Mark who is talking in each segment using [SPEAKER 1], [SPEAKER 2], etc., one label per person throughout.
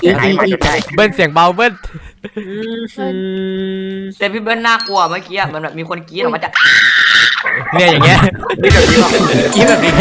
[SPEAKER 1] ไอ้มาจนได้
[SPEAKER 2] เบิ้ลเสียงเบาเบิ้ล
[SPEAKER 3] แต่พี่เบิ้ลน่ากลัวเมื่อกี้มันแบบมีคนกรี๊ดออกมาจาก
[SPEAKER 2] เนี่ยอย่างเงี้ย
[SPEAKER 1] นี่แบบนี้หรอก
[SPEAKER 2] คิดแบบนี้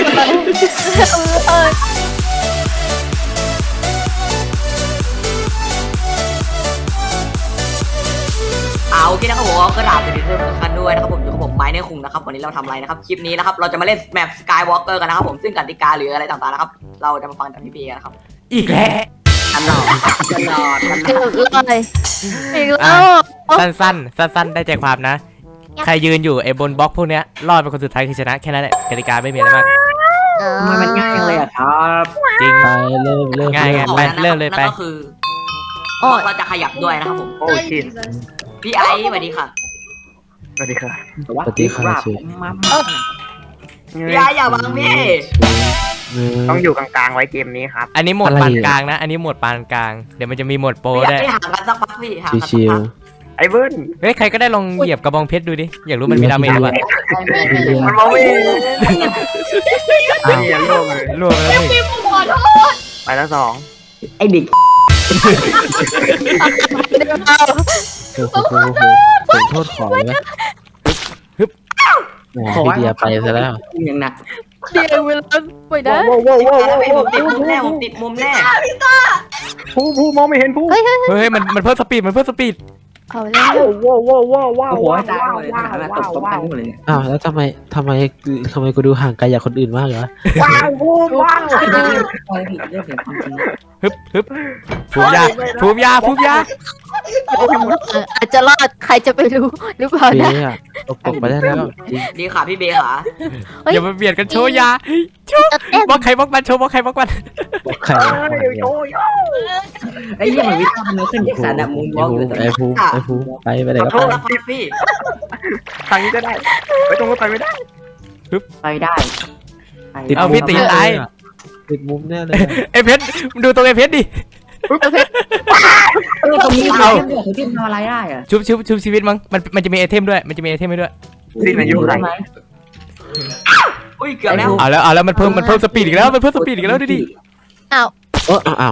[SPEAKER 3] เอาโอเคนะครับผมก็กราบสวัสดีทุกท่านด้วยนะครับผมอยู่กับผมไม้ในคุงนะครับวันนี้เราทำอะไรนะครับคลิปนี้นะครับเราจะมาเล่นแมปสกายวอล์กเกอร์กันนะครับผมซึ่งกติกาหรืออะไรต่างๆนะครับเราจะมาฟังจากพี่เบย์กันนะครับ
[SPEAKER 2] อีกแล้ว
[SPEAKER 3] ตลอดตลอด
[SPEAKER 4] เลยอีกแล้ว
[SPEAKER 2] สั้นได้ใจความนะ ใครยืนอยู่ไอ้บนบล็อกพวกเนี้ยรอดเป็นคนสุดท้ายคือชนะแค่นั้นแหละกติกาไม่มีอะไรมาก
[SPEAKER 3] มันง่ายเลยอะครับ
[SPEAKER 2] จริง
[SPEAKER 5] ไปเริ่ม
[SPEAKER 2] ง่ายไงไปเริ่มเลยไป
[SPEAKER 3] นั่นก็คือเราจะขยับด้วยนะครับผม
[SPEAKER 1] โอ้ชิต
[SPEAKER 3] พี่ไอซ์สวัสดีค่ะ
[SPEAKER 1] สวัสดีค่ะ
[SPEAKER 5] ปฏิฆาชื่อ
[SPEAKER 3] พี่ไอซ์อย่าบังพี่
[SPEAKER 1] ต้องอยู่กลางๆไว้เกมนี้ครับ
[SPEAKER 2] อันนี้โหมดปานกลางนะ อันนี้โหมดปานกลางเดี๋ยวมันจะมีโหมดโปร
[SPEAKER 3] พี่
[SPEAKER 2] ได้วย
[SPEAKER 3] ไอซ์ห่างกันสักพักพี่ห่างกันสัก
[SPEAKER 5] ชิว
[SPEAKER 3] พัก
[SPEAKER 1] ไอ้เบิ้ล
[SPEAKER 2] เฮ้ยใครก็ได้ลองเหยียบกระบองเพชรดูดิอยากรู้มันมีดาเมจหรือเปล่า
[SPEAKER 1] มันมองไม่เห็นไม่เห็นโลกเลย
[SPEAKER 2] รวมแล้วนี่
[SPEAKER 1] ไปแล้วสอง
[SPEAKER 3] ไอเด็ก
[SPEAKER 5] โอ้โหผมโทษขอเลยนะแหมพี่เดียไปซะแล้ว
[SPEAKER 3] ยังหนัก
[SPEAKER 4] เดี๋ยวเวลาไปนะ
[SPEAKER 3] ผมติดมุมแน่ผมติดมุมแน่
[SPEAKER 1] ผู้มองไม่เห็นผู้
[SPEAKER 4] เฮ้ย
[SPEAKER 2] เฮ้ยมันเพิ่มสปีดมันเพิ่มสปีด
[SPEAKER 4] เอาแล้ว
[SPEAKER 1] ว้าว
[SPEAKER 3] โอ้โหตายเลยตกตายหมดเลย
[SPEAKER 5] อ้าวแล้วทำไมกูดูห่างไกลจากคนอื่นมากเหรอ
[SPEAKER 1] ว้าว
[SPEAKER 2] ฮึบฟูมยา
[SPEAKER 4] อาจจะรอดใครจะไปรู้หรือเปล่า
[SPEAKER 5] เบ
[SPEAKER 4] นะ
[SPEAKER 5] ย์อะตกไปได้แล้วจริง
[SPEAKER 3] ดีค่ะพี่เบย์ค่ะ
[SPEAKER 2] อย่ามาเบียดกันโชว์ยาบล็อกใครบล็อกมันโชว์บล็อกใครบล็อกมัน
[SPEAKER 5] บอกใคร
[SPEAKER 3] ไอ้ยี่มันวิทย์มันขึ้นจากสารดับมุมบล็อกเลย
[SPEAKER 5] ไอ้ภูไปไหน
[SPEAKER 3] ขอ
[SPEAKER 5] ก็
[SPEAKER 3] โท
[SPEAKER 5] ไป
[SPEAKER 3] ษนะครับพี่
[SPEAKER 1] ทางนี้ก็ได้ไปตรงก็ไปไม่ได้
[SPEAKER 3] ไปได้
[SPEAKER 2] เอาพี่ตีตาย
[SPEAKER 5] ติดมุมแน่เลย
[SPEAKER 2] ไอเพชรดูตรงไอเพชรดิ
[SPEAKER 3] ตรงนี้เอาที่ทำอะไรได้อะ
[SPEAKER 2] ชุบชีวิตมั้งมันจะมีไอเทมด้วยมันจะมีไอเทมให้ด้วย
[SPEAKER 1] สิ้นอายุไร
[SPEAKER 3] อุ้ยเกือบแล้ว
[SPEAKER 2] เอาแล้วมันเพิ่มสปีดอีกแล้วมันเพิ่มสปีดอีกแล้วดูดิ
[SPEAKER 5] อ้าว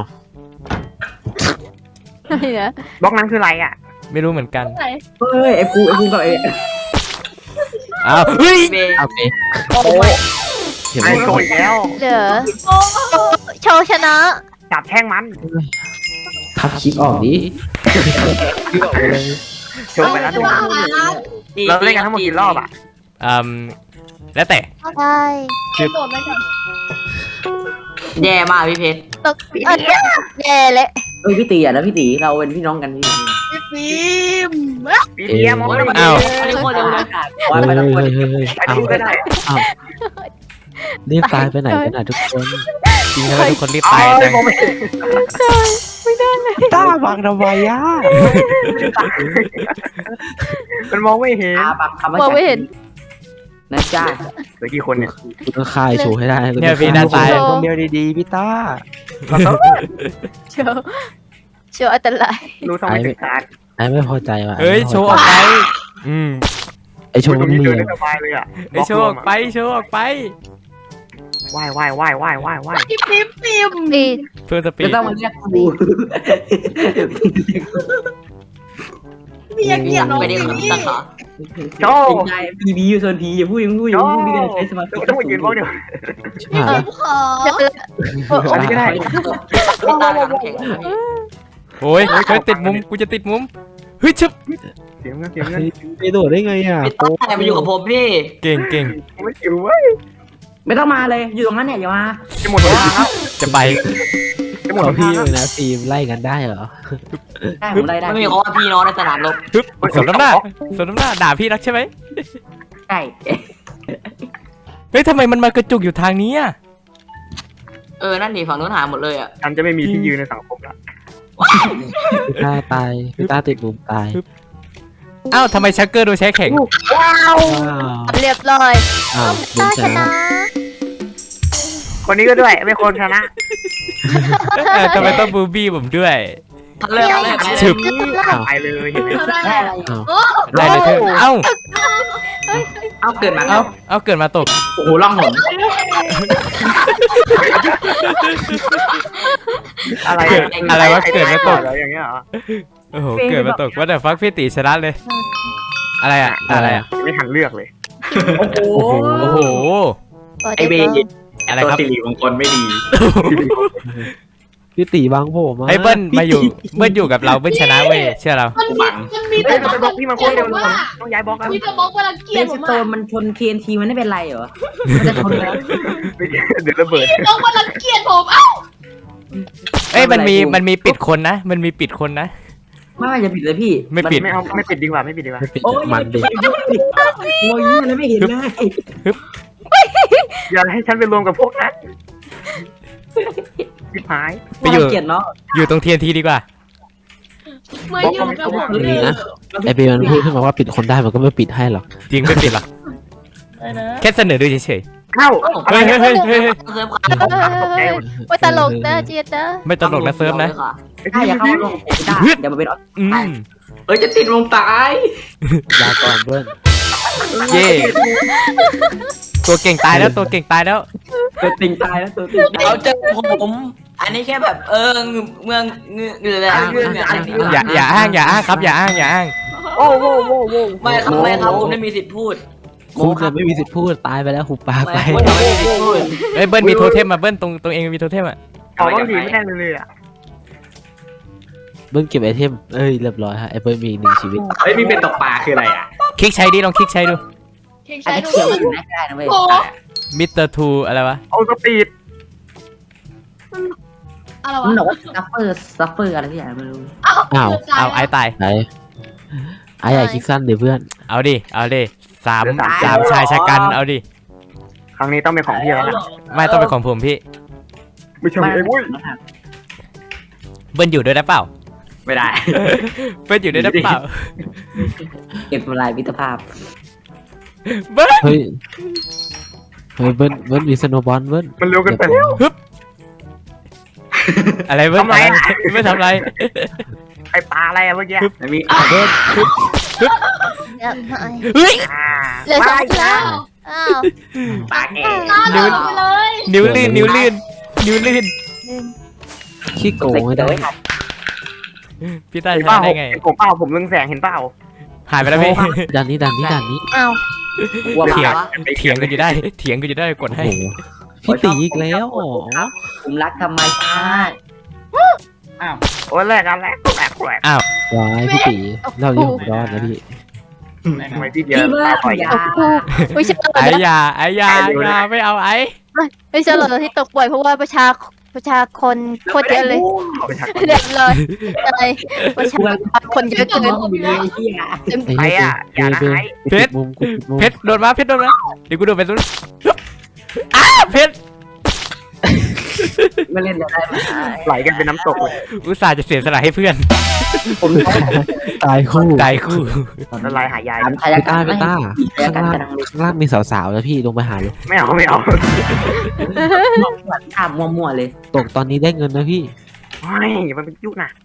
[SPEAKER 4] อะไรนะ
[SPEAKER 1] บล็อกนั้นคืออะไรอ่ะ
[SPEAKER 2] ไม่รู้เหมือนกัน
[SPEAKER 3] เฮ้ยไอ้ภูกับไอ้
[SPEAKER 2] อ้าวเฮ้ย
[SPEAKER 3] เบย์
[SPEAKER 5] โอเค
[SPEAKER 1] โอ้ย
[SPEAKER 5] เห็น
[SPEAKER 1] ไอ้
[SPEAKER 5] ไหม
[SPEAKER 1] โชว์อีกแล้ว
[SPEAKER 4] เดี๋ยวโชว์ชนะ
[SPEAKER 1] จับแท่งมัน
[SPEAKER 5] ทับคลิปออกดิคลิปออกไปเลย
[SPEAKER 1] โชว์ไปแล้วดูเราเล่นกันทั้งหมดกี่รอบอ่ะ
[SPEAKER 2] แล้วแต่
[SPEAKER 4] ได้
[SPEAKER 3] แย่มากพี่เพชร
[SPEAKER 4] ตกแย่เลย
[SPEAKER 3] เอ้ยพี่ตีอ่ะแล้วพี่ตีเราเป็นพี่น้องกันพี่
[SPEAKER 1] ปีเดียมองไม่เห็น
[SPEAKER 2] อ้าว
[SPEAKER 3] อันนี้โคตรเร็วเลย
[SPEAKER 5] เฮ้ย
[SPEAKER 3] ไม่ต้องกลัว
[SPEAKER 1] ไอ้ดูก็ได้
[SPEAKER 5] รีบตายไปไหนกันนะทุกคน
[SPEAKER 2] จริงแล้วทุกคนรีบ
[SPEAKER 1] ไป
[SPEAKER 2] ตายจัง
[SPEAKER 1] มองไม่เห็น
[SPEAKER 5] ต้าบังทำไมอ่ะ
[SPEAKER 1] มันมองไม่เห็น
[SPEAKER 3] ปักคำว่า
[SPEAKER 4] มองไม่เห็น
[SPEAKER 3] นะจ้า
[SPEAKER 1] เหลือกี่คนเนี่ย
[SPEAKER 5] กูต้องฆ่าโชว์ให้ได้
[SPEAKER 2] เนี่ยพี่ด้านซ้าย
[SPEAKER 5] คนเดียวดีๆพี่ต้า
[SPEAKER 4] โชว์อันตราย
[SPEAKER 1] รู้ทำไมถึงการ
[SPEAKER 5] ไอ้ไม่พอใจว่ะ
[SPEAKER 2] เฮ้ยโชว์ออกไปม
[SPEAKER 5] ไอโชว์
[SPEAKER 1] ตร
[SPEAKER 5] มัน
[SPEAKER 1] งนี้
[SPEAKER 5] มี
[SPEAKER 1] เดินได้สบายเลยอ่ะ
[SPEAKER 2] ไอโชว์ออกไปโชว์ออกไป
[SPEAKER 1] ว่าย
[SPEAKER 4] ปี
[SPEAKER 2] เพิ่มสปี
[SPEAKER 3] จะ
[SPEAKER 2] ด
[SPEAKER 3] ต้องมาเรียกกูไม่ได้คนตั้งขา
[SPEAKER 1] โชว์
[SPEAKER 3] นายพีอยู่โซนพีอย่าพูดอย่าพูดพี่กันใช้สมาธิ
[SPEAKER 1] ต้องมายืนบล็อกเดียว
[SPEAKER 5] ชิบหาย
[SPEAKER 4] จะเป็น
[SPEAKER 1] อันนี้ก็ได้
[SPEAKER 3] พี่ตาน้ำแข็ง
[SPEAKER 2] โอ้ยติดมุมกูจะติดมุมเฮ้ยชึบ
[SPEAKER 1] เสียงเงิน
[SPEAKER 5] ไปโดดได้ไงอ่ะ
[SPEAKER 3] พี่ตามาอยู่กับผมพี่
[SPEAKER 2] เก่ง
[SPEAKER 1] ไม่อยู่เว้ย
[SPEAKER 3] ไม่ต้องมาเลยอยู่ตรงนั้นเนี่ยอย่ามา
[SPEAKER 1] จะหมดเวลาแล้ว
[SPEAKER 2] จะไป
[SPEAKER 1] จะหมด
[SPEAKER 5] ขอ
[SPEAKER 1] เว
[SPEAKER 5] พี่
[SPEAKER 1] ลา
[SPEAKER 5] เลยนะฟิล์มไล่กันได้เหรอ
[SPEAKER 3] ได้ผมได้ไม่มีคำว่าพี่น้องในสนามรบ
[SPEAKER 2] ฮึบสมน้ำหน้าด่าพี่รักใช่ไหม
[SPEAKER 3] ใช่
[SPEAKER 2] เฮ้ยทำไมมันมากระจุกอยู่ทางนี้อ่ะ
[SPEAKER 3] นั่นดิฝั่งนู้นหาหมดเลยอ่ะ
[SPEAKER 1] ฉันจะไม่มีที่ยืนในสังคมละ
[SPEAKER 5] พี่ต้าตายพี่ต้าติดมุมตาย
[SPEAKER 2] อ้าวทำไมชักเกอร์โดนใช้แข็ง
[SPEAKER 5] ว้าว
[SPEAKER 4] เรียบร้อย
[SPEAKER 5] อ้าวบุญ
[SPEAKER 4] ต้า
[SPEAKER 5] ช
[SPEAKER 4] ช
[SPEAKER 5] นะ
[SPEAKER 4] นะ
[SPEAKER 1] คนนี้ก็ด้วยไม่คนชนะ
[SPEAKER 2] ทำไมต้องบูบี้ผมด้วย
[SPEAKER 3] เลิกเลิก
[SPEAKER 2] ฉึบ
[SPEAKER 1] ตายเลยเห็นไหม
[SPEAKER 3] ได้อะไร
[SPEAKER 2] ได้เลยเธอเอ้า
[SPEAKER 3] เอาเกิดมา
[SPEAKER 2] เอาเกิดมาตก
[SPEAKER 3] โอ้โหล่องหน
[SPEAKER 1] อะไร
[SPEAKER 2] อะไรวะเกิดมาตก
[SPEAKER 1] แล้วอย่างเงี้ยเหรอ
[SPEAKER 2] โอ้โหเกิดมาตกว่าแต่ฟักพี่ตีชนะเลย อะไรอะอะไรอะ
[SPEAKER 1] ไม่ทันเลือกเลย
[SPEAKER 2] โอ้โหโอ้โห
[SPEAKER 4] ไอเบย์
[SPEAKER 2] อะไรครับ
[SPEAKER 1] สิริมงคลไม่ดี
[SPEAKER 5] พี่ตีบางผมมา
[SPEAKER 2] ไอ้เบิ้ลมาอยู่เบิ้ลอยู่กับเราเบิ้ลชนะเว้ยเชื่อเรา
[SPEAKER 6] มันมี
[SPEAKER 1] เฮ้
[SPEAKER 6] แต่
[SPEAKER 1] ยมันไปบล็อกพี่มันโคตรเร็วเลยต้องย้ายบล็อกแล้ว
[SPEAKER 6] มีแต่บล็อกว่ารังเกียจผม
[SPEAKER 3] โต
[SPEAKER 6] อะ
[SPEAKER 3] มันชน TNT มันไม่เป็นไรเหรอมันจะชนแล้ว
[SPEAKER 1] เดี๋ยวระเบิด
[SPEAKER 6] บล็อกว่ารังเกียจผมเอ้า
[SPEAKER 2] เอ้ยมันมีปิดคนนะ มันมีปิดคนนะ
[SPEAKER 3] ไม่จะผิดเลยพี่
[SPEAKER 2] ไม่ปิด
[SPEAKER 1] ไม่เอาไม่ปิดดีกว่าไม่ปิดดีกว่า
[SPEAKER 5] ไม่ปิดมันดิ
[SPEAKER 3] โอ้ยมันไม่เห็นเลย
[SPEAKER 1] อย่าให้ฉันไปรวมกับพวกนั้นชิบหาย
[SPEAKER 2] ไปอยู่
[SPEAKER 3] เกียดเนาะ
[SPEAKER 2] อยู่ตรง TNT ดีกว่า
[SPEAKER 6] เมื่ออยู่กับผมเล
[SPEAKER 5] นี่
[SPEAKER 6] ย
[SPEAKER 5] นะไอเบย์มันพูดขึ้นมาว่าปิดคนได้มันก็ไม่ปิดให้หรอก
[SPEAKER 2] จริงไม่ปิดหรอกแค่เสนอดูเฉย
[SPEAKER 1] เข้า
[SPEAKER 2] ๆเฮ้ยเฮ้ยเฮ้ยเฮ้ย
[SPEAKER 3] เซิร์ฟ
[SPEAKER 4] ว่าตลกนะเจี๊ยบนะ
[SPEAKER 2] ไม่ตลกนะเซิร์ฟนะ
[SPEAKER 3] ถ้าอยากเข้าลงได้เดี๋ยวมาเป็น
[SPEAKER 2] อืม
[SPEAKER 3] เอ้ยจะติดลงตาย
[SPEAKER 5] ลาก่อนเบิ้ล
[SPEAKER 2] เย่ตัวเก่งตายแล้วตัวเก่งตายแล้ว
[SPEAKER 3] ตัวติงตายแล้วตัวติงเอาเจอผมอันนี้แค่แบบเมืองเงืออะไร
[SPEAKER 2] อย่าอ้างครับอย่าอ้าง
[SPEAKER 1] โอ้โหโว้โว้
[SPEAKER 3] ไม่ครับคุณไม่มีสิทธิ์พูด
[SPEAKER 5] คุณจะไม่มีสิทธิ์พูดตายไปแล้วหุบปากไป
[SPEAKER 3] ไม่มีสิทธิ์พูด
[SPEAKER 2] เอ้ยเบิ้ลมีโทเทมมาเบิ้ลตรงเองมีโทเทมอ่ะ
[SPEAKER 1] ขอบางทีไม่ได้เลยอ่ะ
[SPEAKER 5] เบิ้ลเก็บไอเทมเอ้ยเรียบร้อยฮะไอเบิ้ลมีหนึ่งชีวิต
[SPEAKER 1] เฮ้ยมีเป็นตกปลาคืออะไรอ่ะ
[SPEAKER 2] คลิกใช้ดิลองคลิกใช้ดู
[SPEAKER 6] เค้ก
[SPEAKER 3] อา
[SPEAKER 6] ใช้
[SPEAKER 3] จจะ
[SPEAKER 6] ดู
[SPEAKER 3] เขียวอยู่ได้นะเว้ย
[SPEAKER 6] โอ้
[SPEAKER 2] มิสเตอร์ทูอะไรวะ
[SPEAKER 1] โอ้สปีด
[SPEAKER 6] อะไร
[SPEAKER 3] มันบ
[SPEAKER 6] วะ
[SPEAKER 3] อกว่าซัฟเฟอร์อะไรที่อย่างไม่รู้
[SPEAKER 5] อ้าว
[SPEAKER 2] เอาไอ้ตาย
[SPEAKER 5] ไหนไอใหญ่คิกสั้นเดี๋ยวเพื่อน
[SPEAKER 2] เอาดิสามชายชะกันเอาดิ
[SPEAKER 1] ครั้งนี้ต้องเป็นของพี่แล้วล่ะ
[SPEAKER 2] ไม่ต้องเป็นของผมพี่
[SPEAKER 1] ไม่ใช่ไอ้บุ้ย
[SPEAKER 2] เบิ้ลอยู่ด้วยได้เปล่า
[SPEAKER 3] ไม่ได้
[SPEAKER 2] เบิ้ลอยู่ด้วยได้เปล่า
[SPEAKER 3] เก็บลายมิตรภาพ
[SPEAKER 2] เบิ้ล
[SPEAKER 5] เฮ้ยเบิ้ลมีสโนว์บอลเบิ้ล
[SPEAKER 1] มันเร็วเกินไปแล้ว
[SPEAKER 2] อะไรเบิ้ล
[SPEAKER 1] ทำไมอะ
[SPEAKER 2] ไม่ทำไร
[SPEAKER 1] ไอ้ปลาอะไรอะเมื่อกี้
[SPEAKER 3] มี
[SPEAKER 2] เบิ้ล
[SPEAKER 4] เดี๋ยวหน่อย
[SPEAKER 2] เฮ้ย
[SPEAKER 4] เหลือสองแล้วอ้าว
[SPEAKER 3] ปลาแก่
[SPEAKER 6] หน้าหล่อไปเลย
[SPEAKER 2] นิ้วลื่น
[SPEAKER 5] ขี้โกงไม่ได้
[SPEAKER 2] พี่ต้า
[SPEAKER 1] เห็น
[SPEAKER 2] ช
[SPEAKER 1] เป
[SPEAKER 2] นะ
[SPEAKER 1] ล่า
[SPEAKER 2] ได้ไง
[SPEAKER 1] ผมเปล่าผมเรืองแสงเห็นเปล่า
[SPEAKER 2] หายไปแล้วพี่
[SPEAKER 5] ด่านนี้
[SPEAKER 4] อ้าว
[SPEAKER 3] วัว
[SPEAKER 2] เถียง
[SPEAKER 3] วะ
[SPEAKER 2] เถียงกันอยู่ได้กด
[SPEAKER 5] โอ้
[SPEAKER 2] ให้
[SPEAKER 5] โหพี่ตีอีกแล้วอ๋อ
[SPEAKER 3] ผมรักธรรมชาติ
[SPEAKER 1] โอ้ยแรกแรก
[SPEAKER 5] วายพี่ตีเราที่ผมรอดนะพี่
[SPEAKER 1] ทำไมพี่เดียวตาปล่อยยา
[SPEAKER 4] ไม่ใช่
[SPEAKER 2] ไอ้ยาไม่เอาไอ้
[SPEAKER 4] ไม่ใช่หรอกที่ตกบ่อยเพราะว่าประชาคนโคตรเยอะเลย
[SPEAKER 1] เอาไปชัก
[SPEAKER 4] เรียบร้อยอะไรประชาคนเยอะเกิน
[SPEAKER 5] ไอ้เนี่ยปิดมุมกูปิดมุม
[SPEAKER 2] เพชรโดนมาเดี๋ยวกูโดนไปสุดเพชร
[SPEAKER 3] ไม่เล่นได้ไหม
[SPEAKER 1] ไหลกันเป็นน้ำตกเลย
[SPEAKER 2] อุตส่าห์จะเสียสละให้เพื่อน
[SPEAKER 3] ผม
[SPEAKER 5] ตายคู่
[SPEAKER 2] ตายคู่
[SPEAKER 1] ละลายหายาย
[SPEAKER 3] ถามพ
[SPEAKER 5] ไป
[SPEAKER 3] ยา
[SPEAKER 5] ต้า
[SPEAKER 3] การ
[SPEAKER 5] ไปต้าข้างล่างข้างล่างมีสาวๆแล้วพี่ลงไปหาเลย
[SPEAKER 1] ไม่เอา
[SPEAKER 3] ถามมั่วๆเลย
[SPEAKER 5] ตกตอนนี้ได้เงินนะพี่
[SPEAKER 1] ไม่มันเป็นยุคน่ะ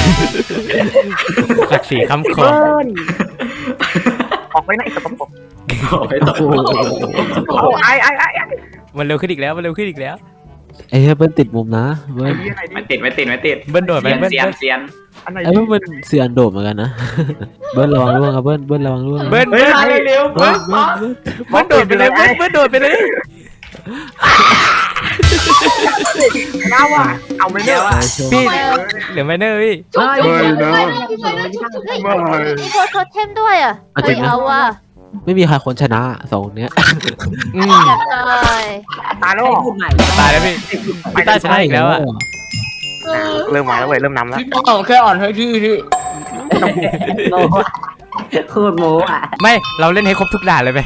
[SPEAKER 2] ศักดิ์ศรีคำคอ
[SPEAKER 1] ออกไปไหนสกปรก
[SPEAKER 5] โอ้โห
[SPEAKER 1] โอ้ไอ้
[SPEAKER 2] มันเร็วขึ้นอีกแล้ว
[SPEAKER 5] ไอ้เบิ้ลติดมุมนะเบิ้ล
[SPEAKER 1] ไม่ติด
[SPEAKER 2] เบิ้ลโดดไปเบิ้ล
[SPEAKER 1] อันไหน
[SPEAKER 5] ไอ้เบิ้ลมันเสืออันโดดเหมือนกันนะเบิ้ลระวังร่วงครับเบิ้ลระวังร่วง
[SPEAKER 2] เบิ้ล
[SPEAKER 1] เร็ว
[SPEAKER 2] เบิ้ลโดดไปเลยเบิ้ลโดดไปเลย
[SPEAKER 1] น้าว่ะเอาไม่ได้ว่ะ
[SPEAKER 2] พี่เหลือไมเนอร์พี่
[SPEAKER 3] เฮ้ย
[SPEAKER 4] มีโทเทมด้วยอ่ะเฮ้ยเอาว่ะ
[SPEAKER 5] ไม่มีใครคนชนะสองเนี้ย
[SPEAKER 2] อืม
[SPEAKER 4] เรียบร้อย
[SPEAKER 1] ตายแล้ว
[SPEAKER 3] พูดใหม่
[SPEAKER 2] ตายแล้วพี่พี่ต้าชนะอีกแล้วอ่ะ
[SPEAKER 1] เริ่มมาแล้วเว้ยเริ่มนำแล้ว
[SPEAKER 3] แค่อ่อนให้ที่โมโคตรโมอ่ะ
[SPEAKER 2] ไม่เราเล่นให้ครบทุกด่านเลยไป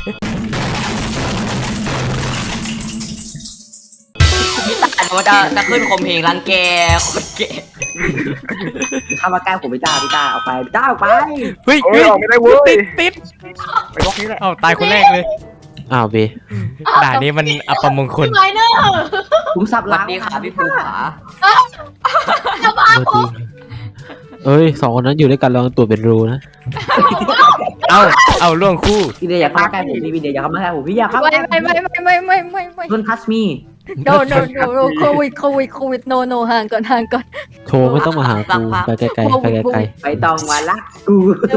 [SPEAKER 3] มันจะขึ้นคมเพลงรังแกคนแก่ข้ามาใกล้ผมพี่ตาเอาไปพี่ตาเอาไป
[SPEAKER 2] เฮ้ย
[SPEAKER 1] เฮ้ยออกไม่ได้เว้ย
[SPEAKER 2] ติด
[SPEAKER 1] ไปบล็อกนี้แหละ
[SPEAKER 2] เอ้าตายคนแรกเลย
[SPEAKER 5] อ้าวเบ
[SPEAKER 2] ด่านนี้มันอัปมงคล
[SPEAKER 6] พี่ไมเนอร์
[SPEAKER 3] ผมสับหลังดีขาพี่ภูขา
[SPEAKER 6] จะบ้า
[SPEAKER 5] เมื่อกี้เอ้ย2คนนั้นอยู่ด้วยกันลองตัวเป็นรูนะ
[SPEAKER 2] เอาล่วงคู่
[SPEAKER 1] พี่เดียอยากเข้าใกล้ผมพี่เดียอยากเข้ามาใกล้ผมพี่อยากเข้า
[SPEAKER 4] ไม่
[SPEAKER 1] Don't touch me
[SPEAKER 4] noโควิด no ห่างก่อน
[SPEAKER 5] โชว์ไม่ต้องมาหากูไปไกลๆไปไกล
[SPEAKER 1] ไปตองมาลักกู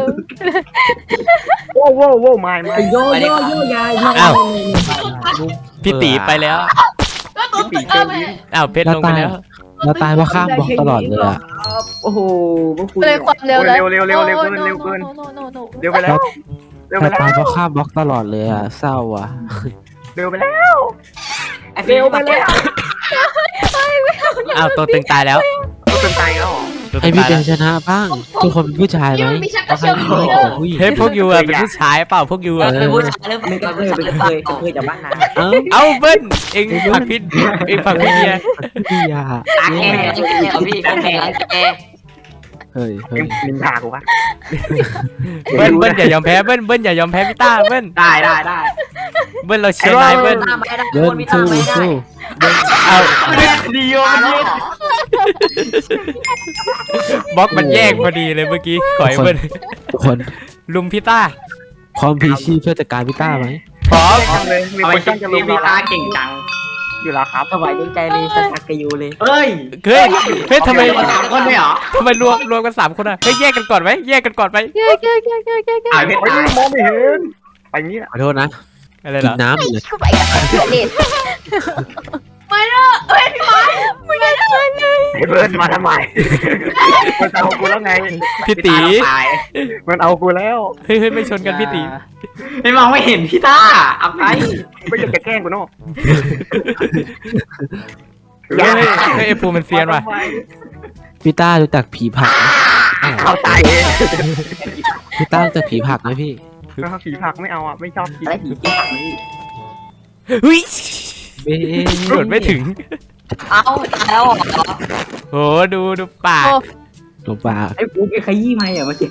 [SPEAKER 4] No
[SPEAKER 1] โว้ไม่โยยาย
[SPEAKER 2] อ้าว พี่ตีไปแล้ว
[SPEAKER 6] ก็ตุ๊กแม่
[SPEAKER 2] อ้าวเพชรลงไปแล้ว
[SPEAKER 5] ๆเราตายเพราะข้ามบล็อกตลอดเลยอะ
[SPEAKER 1] โอ้โหพวกคุณ
[SPEAKER 4] เลยความเร็วแล้ว
[SPEAKER 1] เร็วเร็วไปแล้วเร็วไป
[SPEAKER 5] เรา
[SPEAKER 1] แล้
[SPEAKER 5] ตายว เพราะข้ามบล็อกตลอดเลยอะเศร้าอะ
[SPEAKER 1] เร็วไปแล้ว
[SPEAKER 3] ไอ้ฟิลไปแล้ว
[SPEAKER 2] อ้าวตัวตึงตายแล้ว
[SPEAKER 1] เป็นไตแล้ว
[SPEAKER 2] ตัว
[SPEAKER 5] ให้
[SPEAKER 2] ตึง
[SPEAKER 5] พี่
[SPEAKER 2] ตาย
[SPEAKER 5] เป็
[SPEAKER 2] แล้ว
[SPEAKER 5] นชนะบ้างทุกคนเป็นผู้ชายไหม
[SPEAKER 6] ยังมีชักก
[SPEAKER 5] ต้
[SPEAKER 6] ระ
[SPEAKER 5] อง
[SPEAKER 6] เชี
[SPEAKER 5] ให้
[SPEAKER 6] ยว
[SPEAKER 5] ผู้หญิง
[SPEAKER 2] เฮ้ยพวกยูอะเป็นผู้ชายเปล่าพวกยูอะ
[SPEAKER 3] เป็นผู้ชายหรือเป
[SPEAKER 1] ไม่
[SPEAKER 3] ล่า
[SPEAKER 1] ก็
[SPEAKER 3] เป็น
[SPEAKER 1] เค
[SPEAKER 3] ผู้
[SPEAKER 1] ย
[SPEAKER 3] ชายหรือเปล่า
[SPEAKER 1] จากบ้านนา
[SPEAKER 5] เอ้า
[SPEAKER 2] เอาเบิ้ลเองผลักพี่เองผลักพี่เดีย
[SPEAKER 5] พี่ยา
[SPEAKER 3] ตาแก่กับพี่เป็นแก่แก่
[SPEAKER 5] เฮ้ย
[SPEAKER 1] นินทากูปะ
[SPEAKER 2] เบิ้ลอย่ายอมแพ้เบิ้ลอย่ายอมแพ้พี่ต้าเบิ้ล
[SPEAKER 1] ได้
[SPEAKER 2] เบิ้ลเราเชียร์นายเบิ้ล
[SPEAKER 3] ตามไม่ได้
[SPEAKER 5] เดิน
[SPEAKER 3] พี่ตา
[SPEAKER 5] สู้
[SPEAKER 3] มไม่ได้
[SPEAKER 5] สู้
[SPEAKER 2] เอา
[SPEAKER 1] ดีโย
[SPEAKER 3] ตามแล้ว
[SPEAKER 2] บล็อกมันแยกพอดีเลยเมื่อกี้ก่อยเบิ้ล
[SPEAKER 5] ทุกคน
[SPEAKER 2] ลุมพี่ต้า
[SPEAKER 5] พร้อมพีชีพเพื่อจัดการพี่ต้าไหม
[SPEAKER 2] พร้อม
[SPEAKER 1] เลยมีคนจ้องจะลง
[SPEAKER 3] พี่ตาเก่งจัง
[SPEAKER 1] อยู่แล้วครับ
[SPEAKER 3] สบายใจเลยสักกะยูเลย
[SPEAKER 1] เอ้ย
[SPEAKER 2] เฮ้ยทำไม
[SPEAKER 1] สามคนเลยเหรอ
[SPEAKER 2] ทำไมรวมกัน3คนอะเฮ้ยแยกกันก่อนไหมแยกกันก่อนไหม
[SPEAKER 1] อ่านเพชรมองไม่เห็นไปงี้
[SPEAKER 5] ขอโทษนะ
[SPEAKER 2] อะไร
[SPEAKER 5] กิ
[SPEAKER 2] เหร
[SPEAKER 5] น
[SPEAKER 2] อ
[SPEAKER 5] น้ำเลย
[SPEAKER 6] ไม่เลิกเฮ้ยพี่ไม้ไม่เลิก
[SPEAKER 1] ไอ้เบิร์ดมาทำไมมันเอากูแล้วไง
[SPEAKER 2] พี่ตี
[SPEAKER 1] มันเอากูแล้ว
[SPEAKER 2] เฮ้ยไม่ชนกันพี่ตี
[SPEAKER 3] ไม่มองไม่เห็นพี่ตาเอาไป
[SPEAKER 1] ไม่อยากจะแกล้งกูเนาะ
[SPEAKER 2] เฮ้ยไอ้ภูมันเซียนว่ะ
[SPEAKER 5] พี่ต้ารู้จักผีผักไหม
[SPEAKER 1] เข้าใจเอง
[SPEAKER 5] พี่ต้ารู้จักผีผักไหมพี่
[SPEAKER 1] ผีผักไม่เอาอ่ะไม่ชอบกินอะไรผีกินผักนี่
[SPEAKER 2] เฮ้ย
[SPEAKER 5] เบ้
[SPEAKER 2] โดดไม่ถึง
[SPEAKER 3] เอาแล้ว
[SPEAKER 2] โหดูปาก
[SPEAKER 5] หลงป่า
[SPEAKER 1] ไอ้กูไปขยี้ไหมอ่ะเมื่อกี้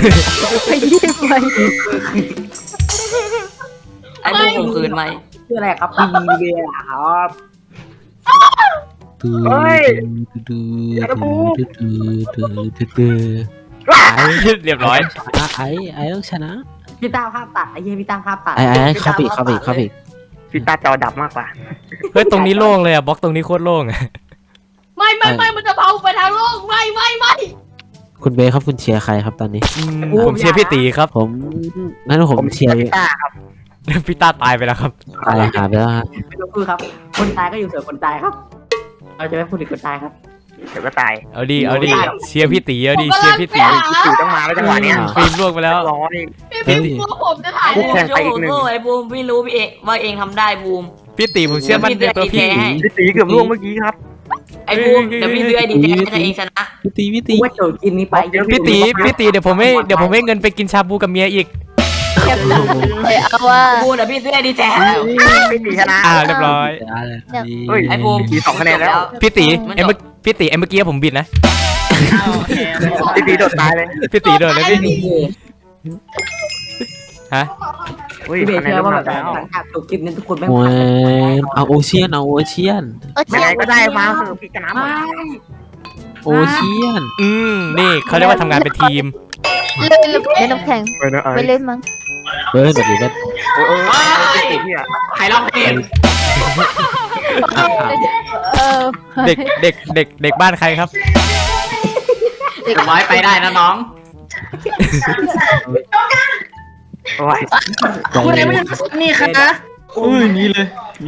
[SPEAKER 3] ไอ้พวกผมคืนไหม
[SPEAKER 1] ชื่ออะไรครับพี่บีเบียครับ
[SPEAKER 5] ตื้อ
[SPEAKER 1] เฮ้ย
[SPEAKER 5] ตื้อ
[SPEAKER 1] อย่านะบู
[SPEAKER 5] ตื้อ
[SPEAKER 2] เรียบร้อย
[SPEAKER 5] ไอ้ต้องชนะ
[SPEAKER 1] พี่ตาภาพตัดไอ้เหี้ยพี่ตาภาพตัด
[SPEAKER 5] ไอ้เข้าไปอีก
[SPEAKER 1] พี่ตาจอดับมากกว่า
[SPEAKER 2] เฮ้ยตรงนี้โล่งเลยอะบล็อกตรงนี้โคตรโล่งอะ
[SPEAKER 6] ไม่มันจะเผาไปทางโลกไม่
[SPEAKER 5] คุณเบครับคุณเชียร์ใครครับตอนนี้
[SPEAKER 2] ผมเชียร์พี่ตีครับ
[SPEAKER 5] ผมงั้นผมเชียร์
[SPEAKER 1] พี่ตาครับ
[SPEAKER 2] พี่ต้าตายไปแล้วครับ
[SPEAKER 5] อะไรหาไปแล้วฮะ
[SPEAKER 1] ไม่ต้องพูดครับ คนตายก็อยู่ส่วนคนตายครับ เราจะไม่พูดถึงคนตายครับเดี๋ยวก็ตาย
[SPEAKER 2] เอาดิเชียร์พี่ตีเอาดิเชียร์พี่ตี
[SPEAKER 1] ผีต้องมาแล้วจังหวะเนี้ย
[SPEAKER 2] ฟิล์มล่วงไปแล้ว
[SPEAKER 1] ร้อย
[SPEAKER 6] พี่ตัวผมจะถ่าย
[SPEAKER 1] แข่งไปอีกหนึ่ง
[SPEAKER 3] ไอ้บูมไม่รู้พี่เอว่าเองทำได้บูม
[SPEAKER 2] พี่ตีผมเชื่อมั่นในตัวพี่
[SPEAKER 1] พี่ตีเกือบล่วงเมื่อกี้ครับ
[SPEAKER 3] ไอ้บูมเดี๋ยวพี่ซื้อไอ้ดีแท้ให้เองชนะ
[SPEAKER 5] พี่ตี
[SPEAKER 1] ว่าโจทย์กินนี้ไป
[SPEAKER 2] พี่ตีเดี๋ยวผมให้เงินไปกินชาบูกับเมียอีก
[SPEAKER 4] เอาว่า
[SPEAKER 3] บูมเดี๋ยวพี่ซื้อไอ้ดีแท้
[SPEAKER 1] พี่ตีชนะ
[SPEAKER 2] เรียบร้อย
[SPEAKER 1] เฮ้ย
[SPEAKER 3] ไอ้บูม
[SPEAKER 1] พี่ตี2 คะแนนแล้ว
[SPEAKER 2] พี่ตีเมื่อกี้ผมบิดนะ
[SPEAKER 1] พี่ตีโดดตายเลย
[SPEAKER 2] พี่ตีโดนเลยพี่ฮะ
[SPEAKER 1] เฮ้ยคะแนนว่าแบบหลังจากจบคลิปนี้ทุกคนไม่
[SPEAKER 5] โอ้ยเอาโอเชียน
[SPEAKER 1] ยังไงก็ได้มาเถอะพี่ชนะหมด
[SPEAKER 5] โอเชียน
[SPEAKER 2] นี่เขาเรียกว่าทำงานเป็นทีม
[SPEAKER 4] เล่นน้ำแข็งไม่เล่นมั้ง
[SPEAKER 5] เฮ้ยแบบนี้ก็
[SPEAKER 1] พี่ตีพี่อะ
[SPEAKER 3] ใครร้องเพลง
[SPEAKER 2] เด็กบ้านใครครับ
[SPEAKER 3] ร้อยไปได้นะน้อง
[SPEAKER 1] โอ้ย
[SPEAKER 5] คุณเอ็ม
[SPEAKER 3] นี่ค่ะ
[SPEAKER 1] พี่เบย์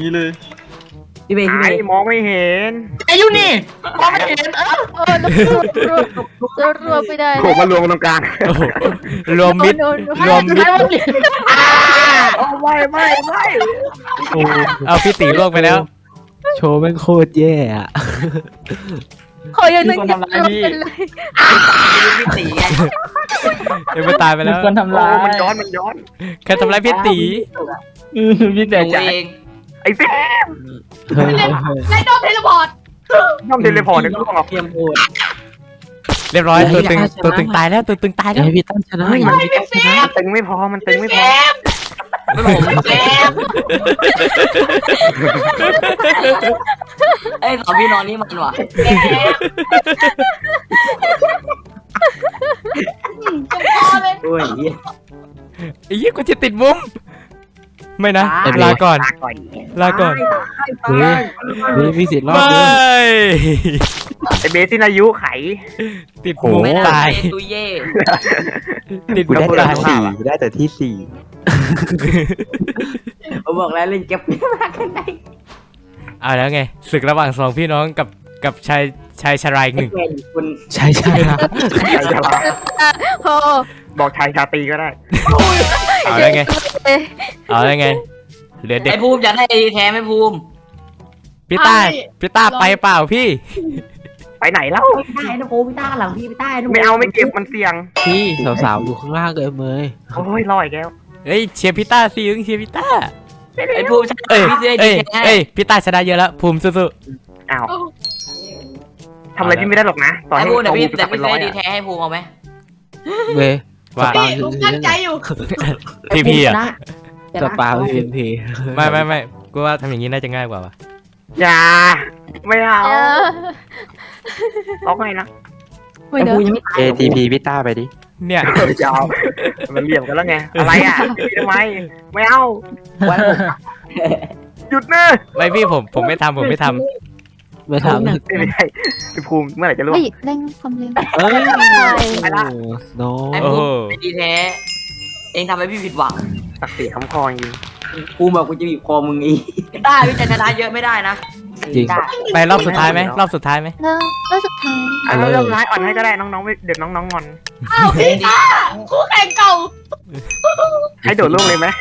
[SPEAKER 1] มองไม่เห็น
[SPEAKER 4] รวมไม่ได้
[SPEAKER 1] โผล่มารวมกันตรงกลาง
[SPEAKER 2] โอ้โหรวมมิด
[SPEAKER 1] ไม่
[SPEAKER 2] เอาพี่ตีล่วงไปแล้ว
[SPEAKER 5] โชว์แม่งโคตรแย่อะ
[SPEAKER 4] ขออย่างนึงเป็นไร
[SPEAKER 3] พี่ตีไง
[SPEAKER 2] เอ็มตายไปแล้ว
[SPEAKER 1] โอ้มันย้อน
[SPEAKER 2] ใครทำร้ายพี่ตี
[SPEAKER 1] พี่แต่
[SPEAKER 3] ตัว
[SPEAKER 1] ใจ
[SPEAKER 3] เอง
[SPEAKER 1] ไอ้เฟม
[SPEAKER 5] เฮ้ย
[SPEAKER 6] ไล่โดนเทเลพอร์ต
[SPEAKER 1] น้องเทเลพอร์ตเนี่ยก็ออกเกมโหด
[SPEAKER 2] เรียบร้อยตัวตึงตายแล้วตัวตึงตายแล้ว
[SPEAKER 5] ให้พี่ตั้งชนะอย่าให้พี่ตั้งชนะ
[SPEAKER 1] มันตึงไม่พอมันตึงไม่พอ
[SPEAKER 3] ผมแกไอ้สองพี่นอนนี่มันว่ะ
[SPEAKER 1] ไอ้เหี้ย
[SPEAKER 2] ไอ้เหี้ยกูจะติดมุมไม่นะ
[SPEAKER 1] ตาย
[SPEAKER 2] ลาก่อน
[SPEAKER 1] ลาก่อน
[SPEAKER 2] ลาก่อน
[SPEAKER 5] เฮ้ยมีสิทธิ์รอด
[SPEAKER 2] ไม่
[SPEAKER 5] ด้วย
[SPEAKER 7] ไอเบสสิ้นอายุไข
[SPEAKER 2] ติดมุม
[SPEAKER 3] ไม่ได้
[SPEAKER 2] ตาย
[SPEAKER 3] ตุยเย่
[SPEAKER 2] ติด
[SPEAKER 5] กู
[SPEAKER 2] มุ
[SPEAKER 5] ได้
[SPEAKER 2] ม
[SPEAKER 5] แต่
[SPEAKER 2] ตาย
[SPEAKER 5] ที่สี่กูได้แต่ที่สี่
[SPEAKER 1] ผมบอกแล้วเล่นเก็บมากแค่ไหน
[SPEAKER 2] เอาแล้วไงศึกระหว่างสองพี่น้องกับชายชรายอีกหนึ่ง
[SPEAKER 1] เป็นคุณ
[SPEAKER 5] ใช่ใช่ครับ
[SPEAKER 4] โอ้
[SPEAKER 7] บอกชายชาตรีก็ได้
[SPEAKER 2] เอาแล้วไงเอาแล้วไงเหลือเด็ก
[SPEAKER 3] ไอ้ภูมิอยากได้ไอ้แท้ไหมภูมิ
[SPEAKER 2] พี่ต้าไปเปล่าพี่
[SPEAKER 7] ไปไหนเล่า
[SPEAKER 1] พี่ต้านะโอ้พี่ต้าหลังพี่ต้านะ
[SPEAKER 7] ไม่เอาไม่เก็บมันเสี่ยง
[SPEAKER 5] พี่สาวๆดูข้างล่างเลยเมย
[SPEAKER 7] โอ้ยลอยแก้ว
[SPEAKER 2] เฮ้ยเชียร์พี่ต้าสิเชียร์พี่ต้า
[SPEAKER 3] ไอ้ภูมิชนะ
[SPEAKER 2] เอ้ย
[SPEAKER 3] พี่เสื้อดี
[SPEAKER 2] เอ้ย
[SPEAKER 3] แท้
[SPEAKER 2] เอ้ยพี่ต้าชนะเยอะแล้วภูมิสู้
[SPEAKER 7] อ้าวทำอะไรพี่ไม่ได้หรอกนะตอน
[SPEAKER 3] ไอ้
[SPEAKER 7] นี้
[SPEAKER 3] ภูมิแต่พี่
[SPEAKER 7] จะ
[SPEAKER 3] แต่
[SPEAKER 7] เป็น
[SPEAKER 3] พี่
[SPEAKER 7] ร้
[SPEAKER 3] เสื้
[SPEAKER 7] อ
[SPEAKER 3] อย ดี
[SPEAKER 7] อะ
[SPEAKER 3] แท้ให้ภูมิเอาไหม
[SPEAKER 5] เมย์
[SPEAKER 2] ๆว่า
[SPEAKER 6] ผมตั้งใจอยู่
[SPEAKER 2] พี่อ่ะ
[SPEAKER 5] กระเป๋าเอ็นพี
[SPEAKER 2] ไม่กูว่าทำอย่างนี้น่าจะง่ายกว่าวะ
[SPEAKER 7] อย่าไม่เอาร้องไงนะ
[SPEAKER 4] ไม่
[SPEAKER 1] แต่
[SPEAKER 4] เด้
[SPEAKER 1] กู
[SPEAKER 4] อ
[SPEAKER 1] ยังไม่ตาย
[SPEAKER 5] ATP พี่ต้าไปดิ
[SPEAKER 2] เนี่ย
[SPEAKER 7] ยาวมันเหลี่ยมกันแล้วไงอะไรอ่ะทำไมไม่เอา
[SPEAKER 1] วันผม
[SPEAKER 7] หยุดนะ
[SPEAKER 2] ไม่พี่ผมไม่ทำผมไม่ท
[SPEAKER 5] ไม่ทำ
[SPEAKER 7] ไม่ใช่พี่ภูมิเมื่อไหร่จะล่วง
[SPEAKER 4] เฮ้ยเร่งความเร็ว
[SPEAKER 5] เอ้ย
[SPEAKER 7] ไปละ
[SPEAKER 5] โน้
[SPEAKER 3] ไอ้
[SPEAKER 2] ำโอ้
[SPEAKER 3] ภู
[SPEAKER 2] โห
[SPEAKER 3] มิดีแท้เองทำให้พี่ผิดหวัง
[SPEAKER 7] ศักดิ์ศรีคำคอจริง
[SPEAKER 1] กูบอกกูจะบีบคอมึงอีก
[SPEAKER 3] ได้พี่จะชนะเยอะไม่ได้นะ
[SPEAKER 5] จริง
[SPEAKER 1] ได้
[SPEAKER 2] ไปรอบสุดท้ายไหมรอบสุดท้ายไหม
[SPEAKER 4] แล้วสุดท้าย
[SPEAKER 7] อ่ะเริ่มร้ายอ่อนให้ก็ได้น้องๆไม่เดี๋ยวน้องๆงอน
[SPEAKER 6] อ้าวพี่ต้าคู่แข่งเก่า
[SPEAKER 7] ให้โดดล่วงเลยไหม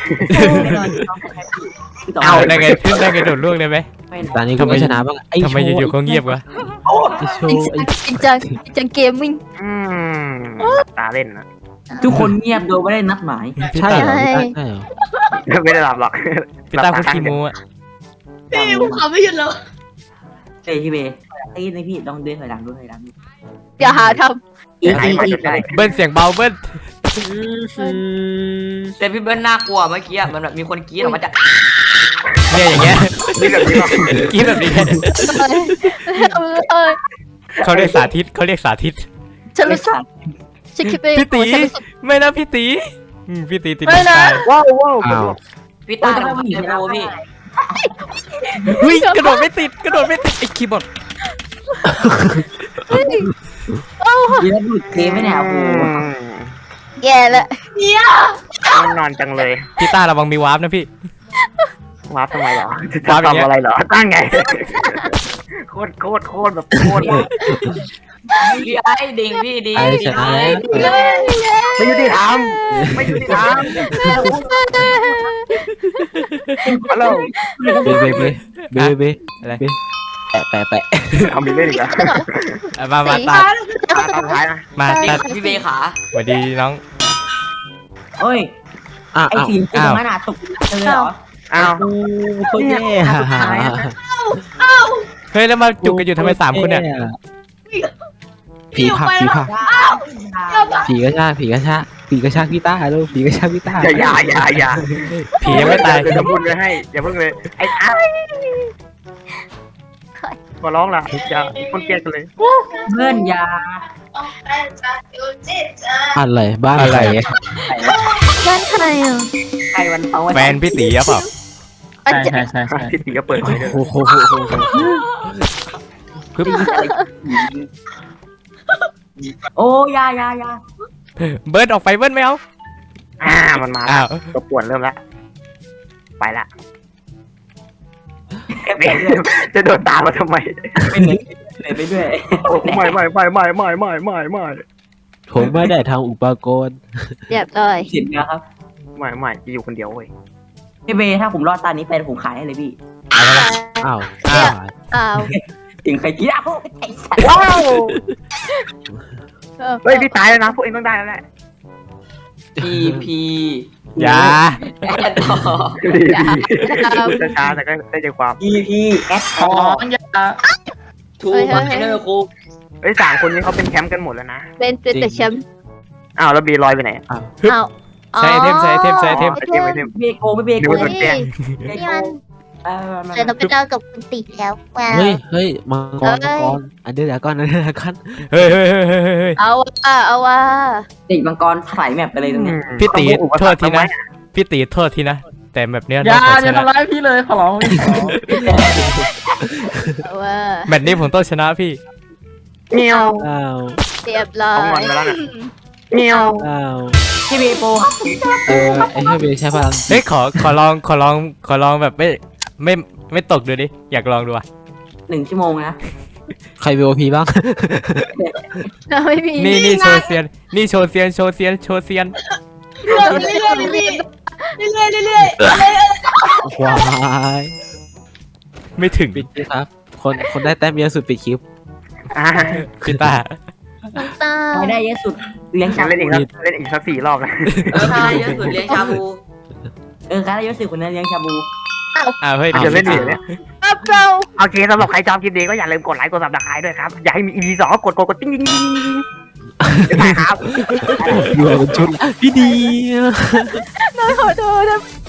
[SPEAKER 2] เอาได้ไงโดดล่วงเลยไหม
[SPEAKER 5] ตอนนี้กูไม่ชนะบ้างไอ้
[SPEAKER 2] ทำไมอยู่ๆเขาเงียบวะ
[SPEAKER 5] ไอ้โช
[SPEAKER 4] จริง
[SPEAKER 5] ว์ไอ้
[SPEAKER 4] จริงจังเกมมิ่ง
[SPEAKER 7] อืมตาเล่นนะ
[SPEAKER 1] ทุกคนเงียบโดยไม่ได้นัดหมาย
[SPEAKER 5] ใช่เหรอพี่ต้าใช่เหรอ
[SPEAKER 7] ไม่ได้หลับหรอก
[SPEAKER 2] พี่ต้าพูดขี้โม้อะ
[SPEAKER 6] พี่ผมขำไม่หยุดเลย
[SPEAKER 1] เฮ้ยพี่เบย์ไอ้นี่พี่ต้องเดินถอยหลังด้วยถอยหลัง
[SPEAKER 4] อย่าหาท
[SPEAKER 1] อีก
[SPEAKER 7] ไหนมาจนได้
[SPEAKER 2] เบิ้ลเสียงเบาเบิ้ล
[SPEAKER 3] แต่พี่เบิ้ลน่ากลัวเมื่อกี้อะมันแบบมีคนกรี๊ดออกมาจาก
[SPEAKER 2] เนี่ยอย่างเงี้ย
[SPEAKER 7] นี่แบบนี้หรอ
[SPEAKER 2] กินแบบนี้
[SPEAKER 4] ำ
[SPEAKER 2] เขาเรียกสาธิต
[SPEAKER 4] ฉันรู้สึกฉันคิดไป
[SPEAKER 2] พี่ตี
[SPEAKER 4] ฉันรู้สึก
[SPEAKER 2] ไม่นะพี่ตีพี่ตีติด
[SPEAKER 4] ไม่นะ
[SPEAKER 2] ตาย
[SPEAKER 7] ว้าวว้าว
[SPEAKER 5] อ้าว
[SPEAKER 3] พี่ต้าทำให้ไอ้ภูมิพี่
[SPEAKER 2] เฮ้ยกระโดดไม่ติดไอ้คีย์บอร์ด
[SPEAKER 1] ยีแล้วดูดเทไหมเนี่ยโอ้โห
[SPEAKER 4] แย่ละ
[SPEAKER 6] เนี่ย
[SPEAKER 7] นอนจังเลย
[SPEAKER 2] พี่ต้าระวังมีวาร์ปนะพี่
[SPEAKER 7] วาร์ปทำไมเหรอ
[SPEAKER 2] วาร์ปอย่างเงี้ย
[SPEAKER 7] ทำอะไรเหรอตั้งไงโคตรแบบโคตร
[SPEAKER 3] พี่ไอ้ดิ่งพี่ดิ่ง
[SPEAKER 5] ไอ้ชนะแล้ว
[SPEAKER 7] ไม่ยุติธรรมไม่ยุติธรรมฮัลโหล
[SPEAKER 5] เบแปะ
[SPEAKER 7] เอามีเล่นอีกแล้ว
[SPEAKER 2] มาตา
[SPEAKER 7] ตาสุดท้ายนะ
[SPEAKER 2] มา
[SPEAKER 3] ดิ่
[SPEAKER 2] ตาง
[SPEAKER 3] พี่เบย์ขา
[SPEAKER 2] สวัสดีน้อง
[SPEAKER 1] เฮ้ย
[SPEAKER 5] อ้าว
[SPEAKER 1] ไอ้สีตรงนั้นอ่ะตกเธอเหรอ
[SPEAKER 7] อ้าว
[SPEAKER 5] โคตรแย่
[SPEAKER 2] เฮ้ยแล้วมาจุกกันอยู่ทำไม3 คนเนี่ย
[SPEAKER 5] ผีผักผีกระชากพี่ต้าลูกผีกระชากพี่ต้า
[SPEAKER 7] อย่า
[SPEAKER 2] ผียังไม่ตาย
[SPEAKER 7] เดี๋ยวจะพูดไว้ให้อย่าเพิ่งเลยไอ้อ้าขอร้องล่ะอย่าคนเกลียดกันเลย
[SPEAKER 1] เพื่อนยา
[SPEAKER 5] อะไรบ้าอะไร
[SPEAKER 4] บ้านใครอ่ะ
[SPEAKER 1] ใครวันเขา
[SPEAKER 2] แฟนพี่ตีหรือเปล่า
[SPEAKER 4] อาจจะ
[SPEAKER 7] พี่ตีก็เปิดไว้เลย
[SPEAKER 5] โอ้โห
[SPEAKER 2] ปึ๊บ
[SPEAKER 1] โอ้ยา
[SPEAKER 2] เบิร์ดออกไปเบิร์ดไม่เอา
[SPEAKER 7] มันมา
[SPEAKER 2] อ้าว
[SPEAKER 7] ตัวป่วนเริ่มแล้วไปละจะโดนตามมาทำไม
[SPEAKER 1] ไปไหนไปด้วย
[SPEAKER 7] ไม่
[SPEAKER 5] ผมไม่ได้ทำอุปกรณ์
[SPEAKER 4] เรียบร้อย
[SPEAKER 1] สิบนะครับ
[SPEAKER 7] ไม่จะอยู่คนเดียวเว้ย
[SPEAKER 1] พี่เบย์ถ้าผมรอดตานี้ไปผมขายให้เลยพี่
[SPEAKER 5] อ้าว
[SPEAKER 4] อ้าว
[SPEAKER 1] ถึงใครคิดเอาไอ้สัตว์
[SPEAKER 7] ว้าวเฮ้ยพี่ตายแล้วนะพวกเองต้องได้แล้วแหละ
[SPEAKER 3] พีพี
[SPEAKER 2] อย่า
[SPEAKER 3] แอดต่อ
[SPEAKER 7] ช้าแต่ก็ได้ใจความ
[SPEAKER 1] พี่แอดค
[SPEAKER 3] อ๋
[SPEAKER 1] อ
[SPEAKER 3] ออย่าทูคอนเทนเนอร์ครู
[SPEAKER 7] เฮ้ย3 คนนี้เขาเป็นแชมป์กันหมดแล้วนะ
[SPEAKER 4] เป็นแต่แชมป์
[SPEAKER 7] อ้าวแล้วบีลอยไปไหน
[SPEAKER 4] อ้าว
[SPEAKER 2] ใช้ไอเทม
[SPEAKER 7] ไอเทม
[SPEAKER 1] เบโกไม่เบโก
[SPEAKER 7] ดูมันแจ้ง
[SPEAKER 4] นี่มันแต่เราไปเจอกับคุณติแล้วว้าว
[SPEAKER 5] เฮ้ยมังกรอันเดอร์ดากอน
[SPEAKER 2] เฮ้ยเฮ้ยเฮ้ยเฮ้ยเฮ้ย
[SPEAKER 4] เอาว่า
[SPEAKER 1] ติมังกรถลายแมปไปเลยตรงนี้
[SPEAKER 2] พี่ตีโทษทีนะพี่ตีโทษทีนะแต่แบบเนี้ย
[SPEAKER 8] อย่า
[SPEAKER 2] ต้อง
[SPEAKER 8] อย่า
[SPEAKER 2] ชนะ
[SPEAKER 8] ทำร้ายพี่เลยขอร้อง
[SPEAKER 4] เอาว่า
[SPEAKER 2] แมตช์นี้ผมต้องชนะพี่
[SPEAKER 7] เมียว
[SPEAKER 5] อ้าว
[SPEAKER 4] เรียบร้อ
[SPEAKER 7] เอางอน
[SPEAKER 4] ย
[SPEAKER 7] มาแล้วนะเมียว
[SPEAKER 5] อ้าว
[SPEAKER 1] พี่เบโป
[SPEAKER 5] ไอ้เฮ้ยเบใช่พลัง
[SPEAKER 2] เฮ้ยขอลองแบบไม่ตกดูดิอยากลองดูอ่ะ
[SPEAKER 1] 1 ชั่วโมงนะ
[SPEAKER 5] ใครเวลพีบ้าง
[SPEAKER 4] ไม่มี
[SPEAKER 2] นี่โชว์เซียนนี่โชว์เซียน
[SPEAKER 6] เรื่อยๆพี่เรื่อย
[SPEAKER 5] ควาย
[SPEAKER 2] ไม่ถึง
[SPEAKER 5] ปิดคลิปครับ คนได้แต้มเยอะสุดปิดคลิป
[SPEAKER 2] พี่ตา
[SPEAKER 4] น้ำตา
[SPEAKER 1] ไม่ได้เยอะสุดเลี้ยงชา
[SPEAKER 7] เล่นอีก
[SPEAKER 1] บู
[SPEAKER 7] เล่นอีกสัก4 รอบนะ
[SPEAKER 3] ใช่เยอะสุดเลี้ยงชาบู
[SPEAKER 1] ใครได้เยอะสุดคนนั้นเลี้ยงชาบู
[SPEAKER 2] เฮ้ย
[SPEAKER 7] เดี๋ยวเล่นอีกเนี่ย
[SPEAKER 4] เรา
[SPEAKER 7] โอเคสำหรับใครชอบคลิปนี้ก็อย่าลืมกดไลค์กดซับสไครต์ด้วยครับอยากให้มี EP 2ก็กดติ๊งไปครับ
[SPEAKER 5] อยู่เป็นชุดพี่ดี
[SPEAKER 4] ขอโทษนะ